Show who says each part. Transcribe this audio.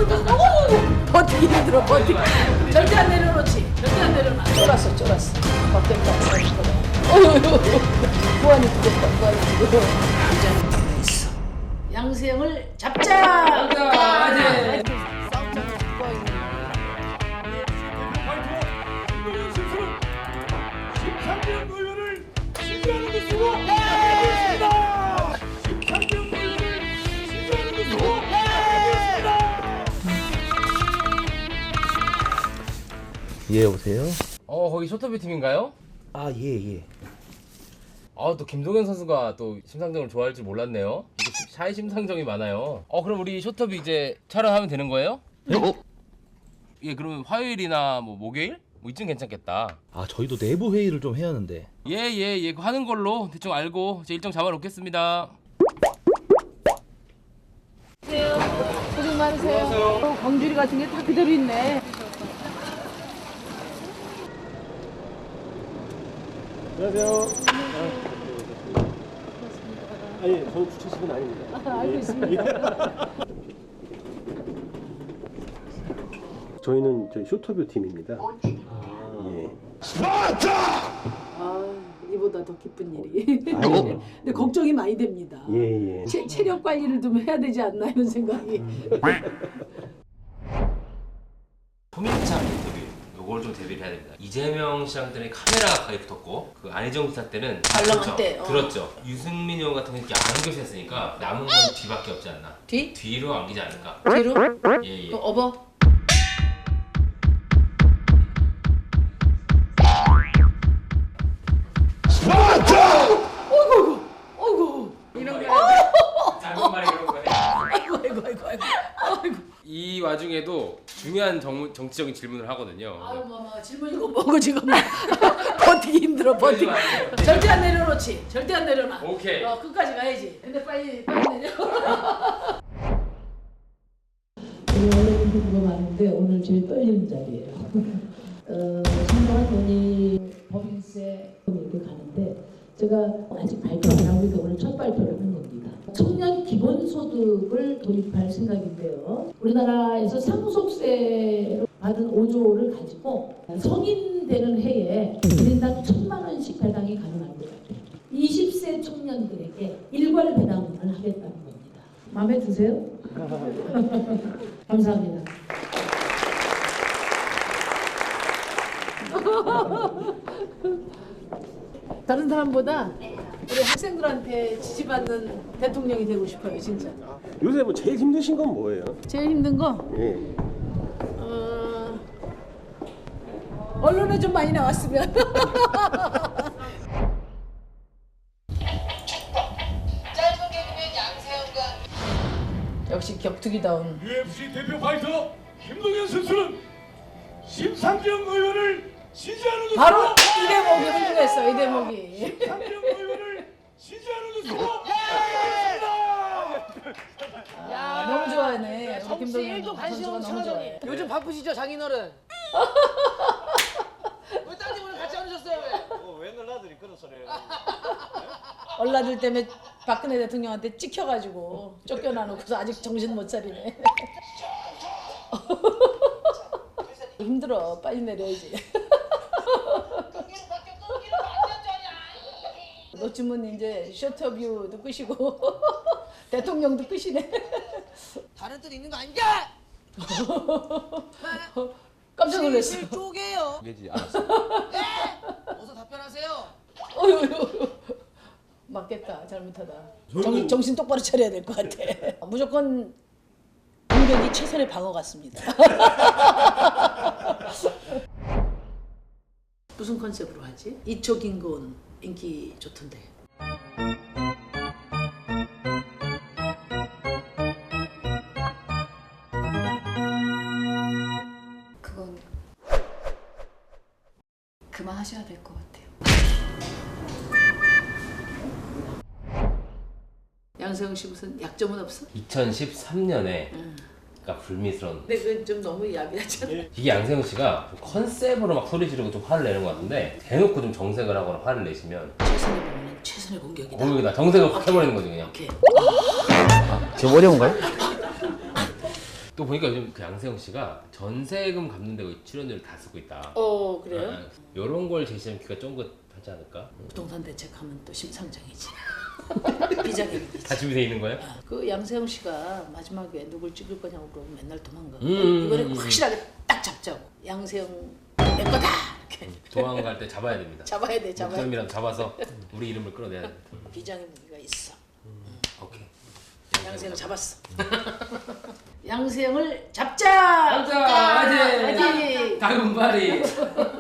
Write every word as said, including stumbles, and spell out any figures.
Speaker 1: 버티기 힘들어 버티기. 절대 안 내려놓지. 절대 안 내려놔. 쫄았어 쫄았어. 바뀌었다. 구한이 부족다. 구한이 부족. 부자는 있어. 양세형을 잡자.
Speaker 2: 맞아.
Speaker 1: 싸움장을 누가 있는
Speaker 3: 심상정 의원을 지지하는 것으로 하겠습니다. 심상정 의원을 지지하는 것으로 하겠습니다.
Speaker 4: 예, 여보세요?
Speaker 2: 어 거기 쇼터뷰 팀인가요?
Speaker 4: 아, 예, 예.
Speaker 2: 아 또 김동현 선수가 또 심상정을 좋아할 줄 몰랐네요. 이게 샤이 심상정이 많아요. 어 그럼 우리 쇼터뷰 이제 촬영하면 되는 거예요?
Speaker 4: 어?
Speaker 2: 예 그러면 화요일이나 뭐 목요일? 뭐 이쯤 괜찮겠다.
Speaker 4: 아, 저희도 내부 회의를 좀 해야 하는데.
Speaker 2: 예예예 예, 하는 걸로 대충 알고 제 일정 잡아놓겠습니다.
Speaker 1: 고생 많으세요. 어, 광주리 같은 게 다 그대로 있네.
Speaker 3: 안녕하세요. 아니, 저는 주최식은 아닙니다.
Speaker 1: 아, 알고 있습니다.
Speaker 3: 저희는 저희 쇼터뷰 팀입니다. 예.
Speaker 1: 아, 이보다 더 기쁜 일이.
Speaker 3: 아니요.
Speaker 1: 근데 걱정이 많이 됩니다.
Speaker 3: 예, 예.
Speaker 1: 체, 체력 관리를 좀 해야 되지 않나 이런 생각이.
Speaker 2: 소민창 인터뷰 요걸 좀 대비를 해야 됩니다. 이재명 시장 때는 카메라가 가까이 붙었고 그 안희정 지사 때는
Speaker 1: 촬영할
Speaker 2: 그렇죠.
Speaker 1: 때, 어.
Speaker 2: 들었죠. 유승민 의원 같은 경우는 이렇게 안겨서 했으니까 남은 건 뒤밖에 없지 않나.
Speaker 1: 뒤?
Speaker 2: 뒤로 안기지 않을까.
Speaker 1: 뒤로?
Speaker 2: 예예.
Speaker 1: 또 업어? 어이구, 어이구,
Speaker 2: 이런 게 짧은 말이 그런 거네.
Speaker 1: 아이고, 아이고, 아이고, 아이고, 아이고.
Speaker 2: 이 와중에도 중요한 정, 정치적인 질문을 하거든요.
Speaker 1: 아유, 뭐, 뭐, 질문 이거 뭐고 지금 뭐. 버티기 힘들어, 버티기. 절대 안 내려놓지. 절대 안 내려놔.
Speaker 2: 오케이.
Speaker 1: 어, 끝까지 가야지. 근데 빨리, 빨리 내려.
Speaker 5: 우리 원래는 그거 많은데 오늘 제일 떨리는 자리예요. 어, 상당한 돈이 법인세 이렇게 가는데 제가 아직 발표 안 하고 있는데 오늘 첫 발표를 하는 겁니다. 청년 기본소득을 도입할 생각인데요. 우리나라에서 상속세로 받은 오조를 가지고 성인 되는 해에 일 인당 천만 원씩 배당이 가능할 것 같아요. 이십 세 청년들에게 일괄 배당을 하겠다는 겁니다. 마음에 드세요? 감사합니다.
Speaker 1: 다른 사람보다 우리 학생들한테 지지받는 대통령이 되고 싶어요, 진짜.
Speaker 3: 요새 뭐 제일 힘드신 건 뭐예요?
Speaker 1: 제일 힘든 거
Speaker 3: 예.
Speaker 1: 어, 언론에 좀 많이 나왔으면. 역시 격투기다운.
Speaker 3: 유에프씨 대표 파이터 김동현 선수는 심상정 의원을 지지하는 것으로
Speaker 1: 바로 이 대목이 훌륭했어, 이 대목이.
Speaker 3: 심상정 의원을 지지하는 것으로 하겠습니다.
Speaker 1: 야, 너무 좋아하네. 우리
Speaker 6: 정치
Speaker 1: 김동현
Speaker 6: 일도 관심
Speaker 1: 선수가
Speaker 6: 없는
Speaker 1: 너무
Speaker 6: 친구들이.
Speaker 1: 좋아해.
Speaker 6: 요즘 바쁘시죠 장인어른? 왜 따님 오늘 같이 안 오셨어요 왜?
Speaker 7: 어, 왜 놀라들이 그런 소리 해요?
Speaker 1: 얼라들 때문에 박근혜 대통령한테 찍혀가지고 쫓겨나놓고서 아직 정신 못 차리네. 힘들어. 빨리 내려야지. 노쯤은 이제 쇼터뷰도 끄시고 대통령도 끄시네.
Speaker 6: 다른 뜻 있는 거 아니야?
Speaker 1: 깜짝 놀랐어.
Speaker 6: 실실 쪼개요.
Speaker 2: 얘기 알았어.
Speaker 6: 네? 어서 답변하세요.
Speaker 1: 어휴, 맞겠다. 잘못하다. 정, 정신 똑바로 차려야 될 것 같아. 무조건 공격이 최선의 방어 같습니다. 무슨 컨셉으로 하지? 이초 김고은 인기 좋던데.
Speaker 8: 그건 그만하셔야 될 것 같아요.
Speaker 1: 양세형 씨 무슨 약점은 없어?
Speaker 2: 이천십삼 년에
Speaker 1: 응.
Speaker 2: 그러니까 불미스러운.
Speaker 1: 근데 그건 좀 너무 야비하잖아.
Speaker 2: 이게 양세형 씨가 좀 컨셉으로 막 소리 지르고 좀 화를 내는 것 같은데 대놓고 좀 정색을 하거나 화를 내시면
Speaker 1: 최선의 방어는 최선의 공격이다.
Speaker 2: 공격이다. 정색을 확 해버리는 거지 그냥.
Speaker 1: 오케이.
Speaker 4: 좀 어려운가요?
Speaker 2: 또 보니까 요즘 그 양세형 씨가 전세금 갚는 데 출연료를 다 쓰고 있다.
Speaker 1: 어 그래요?
Speaker 2: 이런 걸 제시하면 귀가 쫑긋하지 않을까?
Speaker 1: 부동산 대책하면 또 심상정이지. 비자금이지.
Speaker 2: 다 준비돼 있는 거예요?
Speaker 1: 그 양세형 씨가 마지막에 누굴 찍을 거냐고 그러면 맨날 도망가.
Speaker 2: 음,
Speaker 1: 이번에
Speaker 2: 음,
Speaker 1: 확실하게 딱 잡자고. 양세형 내 거다. 이렇게
Speaker 2: 도망갈 때 잡아야 됩니다.
Speaker 1: 잡아야 돼. 잡아야 돼.
Speaker 2: 목사님이랑 잡아서 우리 이름을 끌어내야 돼.
Speaker 1: 비장의 무기가 있어.
Speaker 2: 오케이.
Speaker 1: 양세형 잡았어. 양세형을 잡자.
Speaker 2: 잡자! 화이팅!
Speaker 1: 화이팅!
Speaker 2: 다금바리.